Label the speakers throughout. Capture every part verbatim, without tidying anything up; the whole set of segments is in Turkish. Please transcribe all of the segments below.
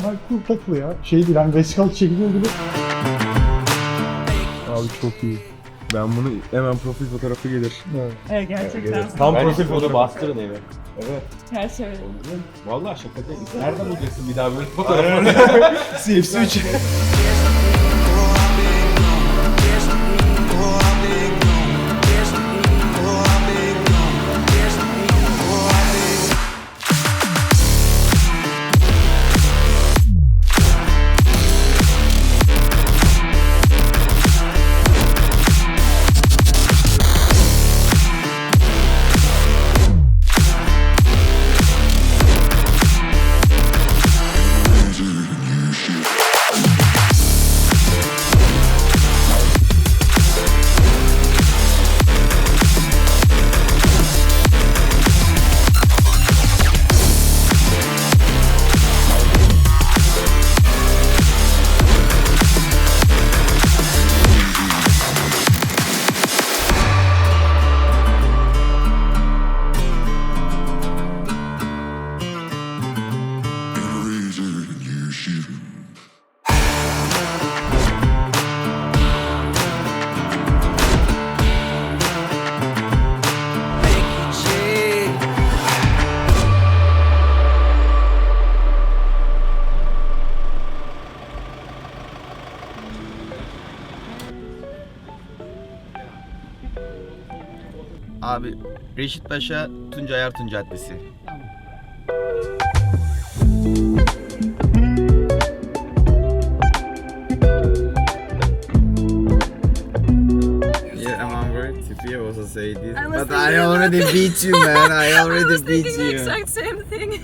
Speaker 1: normal cool takılı ya. Şey değil hani vesikalık çekiliyor gibi.
Speaker 2: Abi çok iyi. Ben bunu hemen profil fotoğrafı gelir.
Speaker 1: Evet.
Speaker 3: Evet gerçekten.
Speaker 2: Tam
Speaker 4: Ben
Speaker 2: profil
Speaker 4: onu
Speaker 2: fotoğrafı.
Speaker 4: bastırın eve.
Speaker 2: Evet.
Speaker 3: Her şey öyle.
Speaker 4: Vallahi şaka değil. Nerede bulacaksın bir daha böyle fotoğrafı?
Speaker 2: C F C üç.
Speaker 5: Abi Reşit Paşa Tuncay Artun Caddesi. Yeah, I'm over. Tiffy also say this,
Speaker 3: I was
Speaker 5: but I
Speaker 3: thinking
Speaker 5: already
Speaker 3: about-
Speaker 5: beat you, man. I
Speaker 3: I
Speaker 5: already
Speaker 3: was
Speaker 5: beat
Speaker 3: thinking the
Speaker 5: you.
Speaker 3: exact same thing.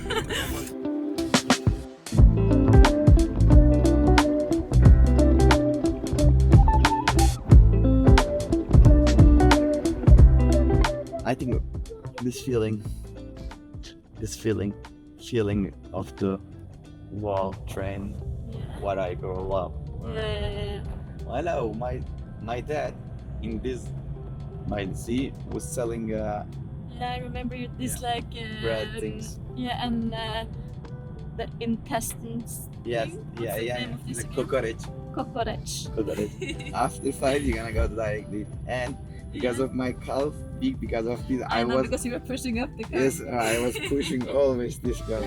Speaker 5: I think this feeling, this feeling, feeling of the wall train, what I grow up.
Speaker 3: Yeah.
Speaker 5: Hello, my my dad in this my Z was selling uh,
Speaker 3: Yeah, I remember you dislike uh,
Speaker 5: bread things.
Speaker 3: Yeah, and uh, the intestines.
Speaker 5: Yes,
Speaker 3: thing.
Speaker 5: yeah,
Speaker 3: What's the
Speaker 5: yeah,
Speaker 3: name of this
Speaker 5: the
Speaker 3: again?
Speaker 5: cockroach,
Speaker 3: Cockroach.
Speaker 5: cockroach. After fight, you're gonna go directly, and because of my calf, big because of this,
Speaker 3: I,
Speaker 5: I
Speaker 3: know
Speaker 5: was
Speaker 3: because you were pushing up the car.
Speaker 5: yes, I was pushing always this guy.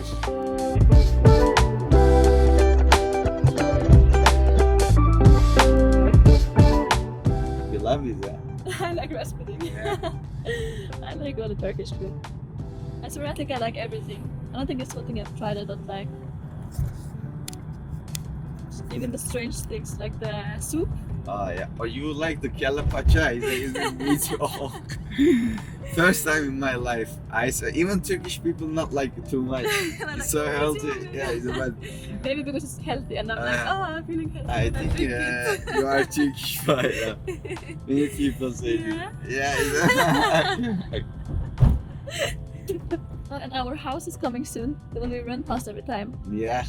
Speaker 5: You love this, yeah?
Speaker 3: I like rice pudding. I like all the Turkish food. I swear I think I like everything. I don't think there's something I've tried I don't like. Even the strange things like the soup.
Speaker 5: Oh yeah. Or you like the kelle paça? Is is it's all. First time in my life, I saw even Turkish people not like it too much.
Speaker 3: And I'm
Speaker 5: It's
Speaker 3: like,
Speaker 5: so
Speaker 3: "Oh,
Speaker 5: healthy.
Speaker 3: it's
Speaker 5: Yeah, it's about.
Speaker 3: Maybe because it's healthy and I'm like,
Speaker 5: Uh,
Speaker 3: oh, I'm feeling healthy.
Speaker 5: I
Speaker 3: and
Speaker 5: think
Speaker 3: drink
Speaker 5: yeah,
Speaker 3: it."
Speaker 5: you are Turkish, right? Yeah. Many people say this.
Speaker 3: Yeah.
Speaker 5: Yeah. It's,
Speaker 3: Oh, and our house is coming soon. The one we run past every time.
Speaker 5: yeah.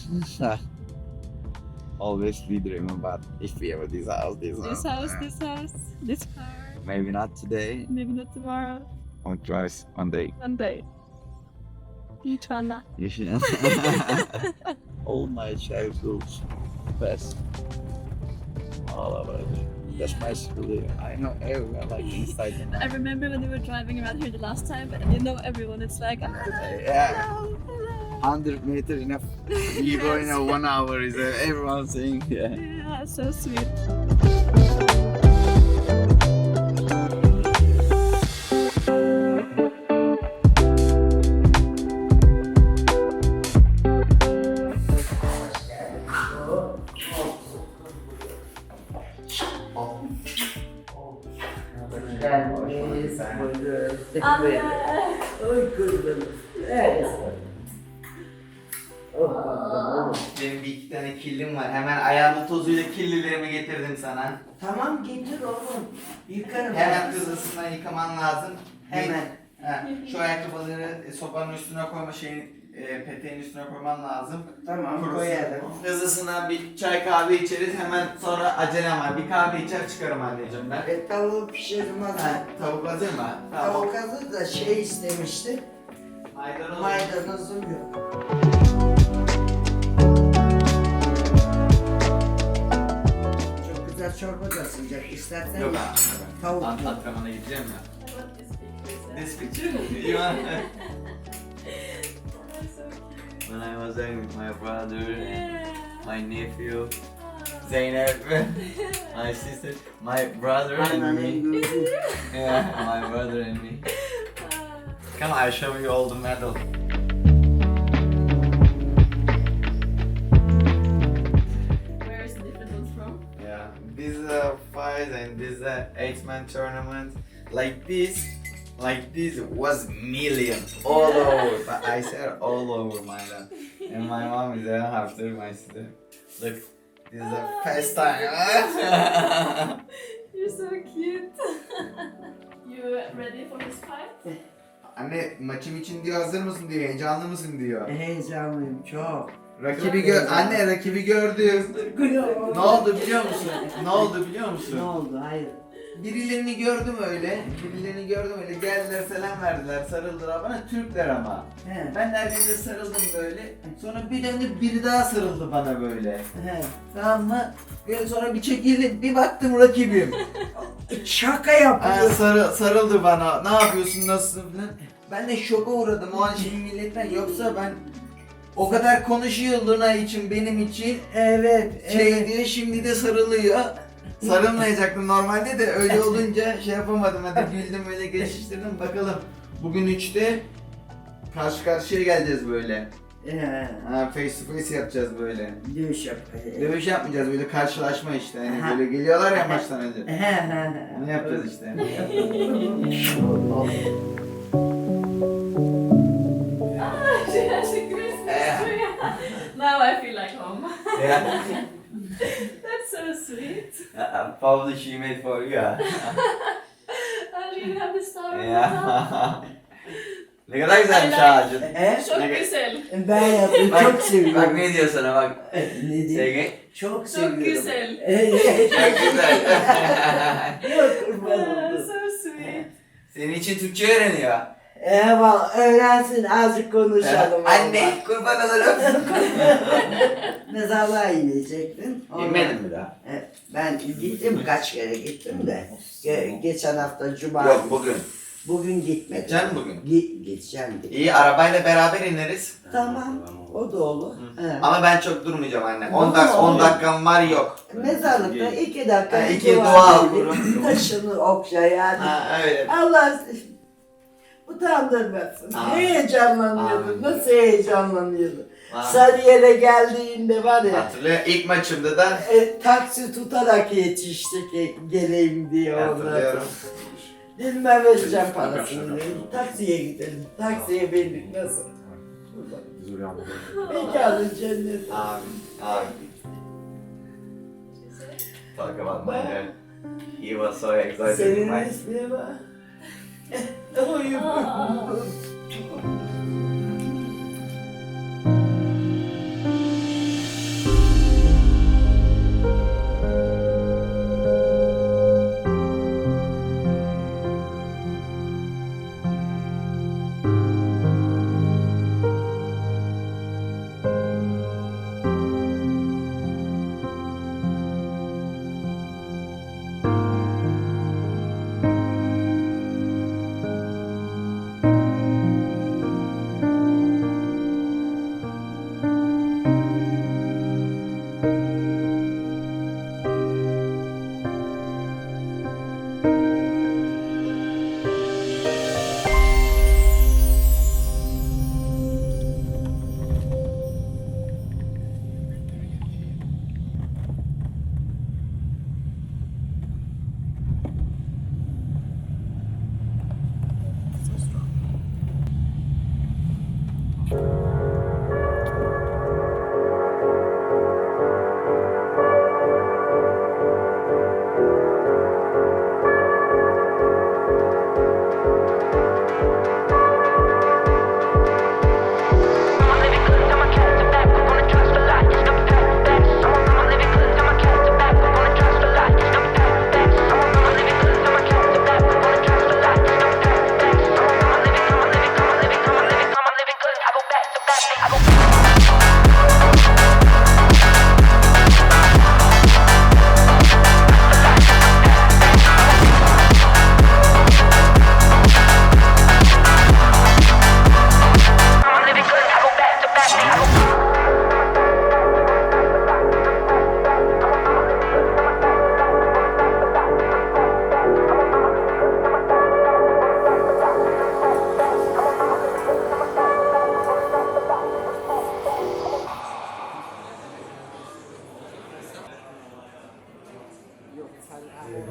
Speaker 5: Always we dream about if we ever this house, this,
Speaker 3: This house, this house, this car.
Speaker 5: Maybe not today.
Speaker 3: Maybe not tomorrow.
Speaker 5: Or twice one day.
Speaker 3: One day. İnşallah.
Speaker 5: You should. All my childhood best. All of it. That's my school. I know everyone like inside the
Speaker 3: I remember when we were driving around here the last time, and you know everyone. It's like,
Speaker 5: Yeah.
Speaker 3: hello, hello.
Speaker 5: Hundred meter enough. You go in a one hour is uh, everyone saying yeah.
Speaker 3: Yeah, so sweet.
Speaker 6: Gelmiş, buyurun.
Speaker 3: Anne.
Speaker 6: Oy kızım. Evet.
Speaker 5: Benim bir iki tane kirlim var. Hemen ayağımın tozuyla kirlilerimi getirdim sana.
Speaker 6: Tamam getir oğlum. Yıkarım.
Speaker 5: Hemen hızlısından yıkaman lazım.
Speaker 6: Hemen.
Speaker 5: Ha, şu ayakkabıları e, sopanın üstüne koyma şeyin e, peteğin üstüne koyman lazım.
Speaker 6: Tamam
Speaker 5: Kurusun.
Speaker 6: koyalım.
Speaker 5: Hızlısından bir çay kahve içeriz. Hemen sonra acelem var. Bir kahve içer çıkarım anneciğim ben.
Speaker 6: E, tavuğu pişirdim
Speaker 5: Ha,
Speaker 6: hazır.
Speaker 5: tavuk hazır mı?
Speaker 6: Tavuk hazır da şey istemişti.
Speaker 5: Maydanoz.
Speaker 6: Maydanozum yok. çorba da sıcak. İstersen
Speaker 5: Yok
Speaker 6: ye.
Speaker 5: abi.
Speaker 6: Tavuk
Speaker 5: Ant-
Speaker 6: mu?
Speaker 5: Antrenmana gideceğim ya.
Speaker 3: I want this picture.
Speaker 5: This picture? You want?
Speaker 3: That's so cute.
Speaker 5: When I was there with my brother and
Speaker 3: Yeah.
Speaker 5: my nephew,
Speaker 3: Ah.
Speaker 5: Zeynep, my sister, my brother and
Speaker 6: Anneannem
Speaker 5: me.
Speaker 6: gördü.
Speaker 5: Yeah, my brother and me.
Speaker 3: Ah.
Speaker 5: Come, I'll show you all the medals.
Speaker 3: Where is the different ones from?
Speaker 5: Yeah, this is a five and this is a eight-man tournament. Like this, like this was millions all over. But I said all over my dad. And my mom is there after my sister. Look, this is the first time.
Speaker 3: You're so cute. You ready for this fight?
Speaker 5: Anne maçım için diyor hazır mısın diyor, heyecanlı mısın diyor.
Speaker 6: Heyecanlıyım çok.
Speaker 5: Rakibi gör, anne rakibi gördüm. Ne oldu biliyor musun? Ne oldu biliyor musun?
Speaker 6: Ne oldu? Hayır.
Speaker 5: Birilerini gördüm öyle, birilerini gördüm öyle geldiler selam verdiler, sarıldılar bana, Türkler ama.
Speaker 6: He.
Speaker 5: Ben de herkese sarıldım böyle, sonra bir döndü biri daha sarıldı bana böyle.
Speaker 6: He.
Speaker 5: Tamam mı? Böyle sonra bir çekildim, bir baktım rakibim.
Speaker 6: Şaka
Speaker 5: Aa,
Speaker 6: yapıyor.
Speaker 5: sarı, sarıldı bana, ne yapıyorsun, nasılsın falan. Ben de şoka uğradım o an şeyin milletten, yoksa ben o kadar konuşuyor Luna için, benim için.
Speaker 6: Evet.
Speaker 5: Şey
Speaker 6: evet.
Speaker 5: diyor şimdi de sarılıyor. Sarılmayacaktım normalde de öyle olunca şey yapamadım, hadi güldüm öyle geçiştirdim bakalım. Bugün üçte karşı karşıya geleceğiz böyle.
Speaker 6: He.
Speaker 5: Ha, face to face yapacağız böyle.
Speaker 6: Dövüş yapıyor.
Speaker 5: Dövüş yapmayacağız böyle karşılaşma işte hani
Speaker 6: Ha.
Speaker 5: böyle geliyorlar ya maçtan önce.
Speaker 6: He he he.
Speaker 5: Ne yapacağız işte.
Speaker 3: Ah, she has a Christmas tree. Now I feel like home.
Speaker 5: Yeah.
Speaker 3: That's so sweet.
Speaker 5: Probably she made for you.
Speaker 3: Oh, do you have the star on the top?
Speaker 5: Ya. Ne kadar güzelmiş ağacın.
Speaker 6: He?
Speaker 3: Çok
Speaker 5: Ne-
Speaker 3: güzel.
Speaker 6: Ben yaptım. Çok
Speaker 5: Bak
Speaker 6: seviyorum.
Speaker 5: ne diyor sana bak.
Speaker 6: Ne diyeyim?
Speaker 5: Sevgi.
Speaker 6: Çok seviyorum.
Speaker 3: Çok güzel.
Speaker 5: Çok güzel.
Speaker 6: Yok kurban
Speaker 3: Ah,
Speaker 6: oldum.
Speaker 3: so sweet.
Speaker 5: Senin için Türkçe öğreniyor.
Speaker 6: Eyvallah öğrensin azıcık konuşalım.
Speaker 5: Anne kurban olurum.
Speaker 6: Mezarlığa inecektin. Ondan-
Speaker 5: İnmedin mi daha?
Speaker 6: Evet, ben gittim kaç kere gittim de. Ge- geçen hafta cuma.
Speaker 5: Yok bugün.
Speaker 6: Bugün gitmedim.
Speaker 5: Gideceksin bugün.
Speaker 6: Gi- gideceğim. de.
Speaker 5: İyi arabayla beraber ineriz.
Speaker 6: Tamam. O da olur. He.
Speaker 5: Ama ben çok durmayacağım anne.
Speaker 6: Ne
Speaker 5: on dakika on
Speaker 6: olur?
Speaker 5: dakikam var yok.
Speaker 6: Mezarlıkta iki dakika
Speaker 5: Ha,
Speaker 6: bir
Speaker 5: iki
Speaker 6: dua
Speaker 5: dua
Speaker 6: edip
Speaker 5: okurum.
Speaker 6: taşını okşa yani.
Speaker 5: Ha öyle.
Speaker 6: Allah utandırmasın.
Speaker 5: Amin.
Speaker 6: Heyecanlanıyordu.
Speaker 5: Amin.
Speaker 6: Nasıl heyecanlanıyordu.
Speaker 5: Ha.
Speaker 6: Sarıyer'e geldiğinde var ya.
Speaker 5: Hatırlıyor ilk maçımda da
Speaker 6: E, taksi tutarak yetiştik e, geleyim diye ondan
Speaker 5: hatırlıyorum.
Speaker 6: sonra. Bilmem vereceğim parasını. dedim. Taksiye gidelim. Taksiye bindik nasıl? Mekanın cennet.
Speaker 5: Amin. Amin. Talk about my dad. He was so excited.
Speaker 6: Senin
Speaker 5: My-
Speaker 6: ismine bak. Uyum.
Speaker 3: Ah.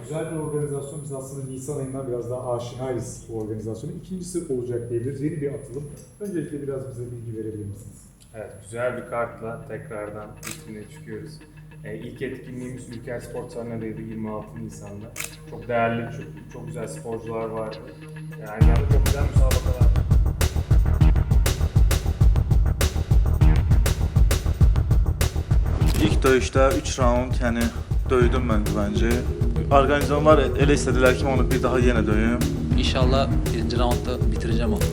Speaker 1: güzel bir organizasyon. Biz aslında Nisan ayından biraz daha aşinayız bu organizasyona. İkincisi olacak diyebiliriz. Yeni bir atılım. Öncelikle biraz bize bilgi verebilir misiniz?
Speaker 7: Evet, güzel bir kartla tekrardan üstüne çıkıyoruz. Ee, ilk etkinliğimiz Ülker Spor Sahna'daydı yirmi altı Nisan'da. Çok değerli, çok, çok güzel sporcular vardı. Yani yani çok güzel müsabakalar.
Speaker 8: İlk döyüşdə üç raund, yəni döydüm mən bence. Organizatorlar elə istədilər ki, onu bir daha yenə döyüm.
Speaker 9: İnşallah birinci roundda bitireceğim onu.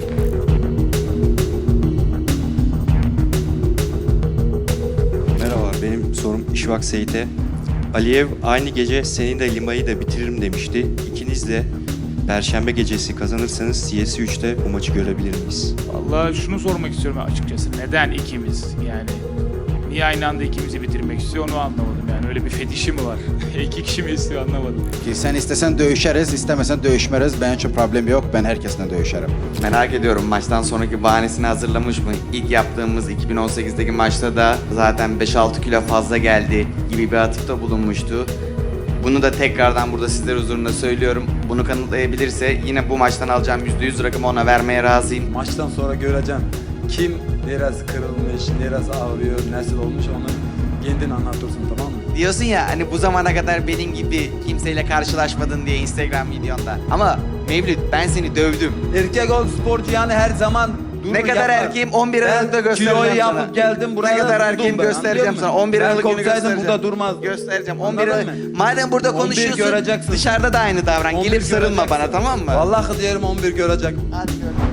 Speaker 10: Merhaba, benim sorum İşvak Seyit'e. Aliyev aynı gece senin de Lima'yı da bitiririm demişti. İkiniz de Perşembe gecesi kazanırsanız C S üçte bu maçı görebilir miyiz?
Speaker 11: Vallahi şunu sormak istiyorum açıkçası. Neden ikimiz? Yani niye aynı anda ikimizi bitirmek istiyor onu anlamadım. Yani öyle bir fetişi mi var? İki kişi mi istiyor anlamadım.
Speaker 12: Ki sen istesen dövüşeriz, istemesen dövüşmeriz. Benim için problem yok. Ben herkesle dövüşerim.
Speaker 5: Merak ediyorum maçtan sonraki bahanesini hazırlamış mı? İlk yaptığımız iki bin on sekizdeki maçta da zaten beş altı kilo fazla geldi gibi bir atıfta bulunmuştu. Bunu da tekrardan burada sizler huzurunda söylüyorum. Bunu kanıtlayabilirse yine bu maçtan alacağım yüzde yüz rakamı ona vermeye razıyım.
Speaker 12: Maçtan sonra göreceğim kim neresi kırılmış, neresi ağrıyor, nasıl olmuş onu kendin anlatırsın, tamam mı?
Speaker 5: Diyorsun ya hani bu zamana kadar benim gibi kimseyle karşılaşmadın diye Instagram videonda. Ama Mevlüt ben seni dövdüm.
Speaker 12: Erkek ol sporcu yani her zaman
Speaker 5: Ne kadar erkeğim on bir Aralık'ta göstereceğim
Speaker 12: kiloyu
Speaker 5: sana.
Speaker 12: yapıp geldim buraya.
Speaker 5: Ne kadar
Speaker 12: durdum
Speaker 5: erkeğim
Speaker 12: ben,
Speaker 5: göstereceğim
Speaker 12: anlıyor
Speaker 5: sana.
Speaker 12: musun?
Speaker 5: on bir
Speaker 12: Ben
Speaker 5: Aralık günü
Speaker 12: korksaydım
Speaker 5: göstereceğim.
Speaker 12: burada durmaz.
Speaker 5: Göstereceğim. on bir
Speaker 12: Anladın
Speaker 5: Aralık.
Speaker 12: mı?
Speaker 5: Madem burada
Speaker 12: on bir
Speaker 5: konuşuyorsun
Speaker 12: göreceksin.
Speaker 5: dışarıda da aynı davran.
Speaker 12: on bir
Speaker 5: Gelip sarılma
Speaker 12: göreceksin.
Speaker 5: bana tamam mı?
Speaker 12: Vallahi diyelim on bir görecek.
Speaker 5: Hadi gör.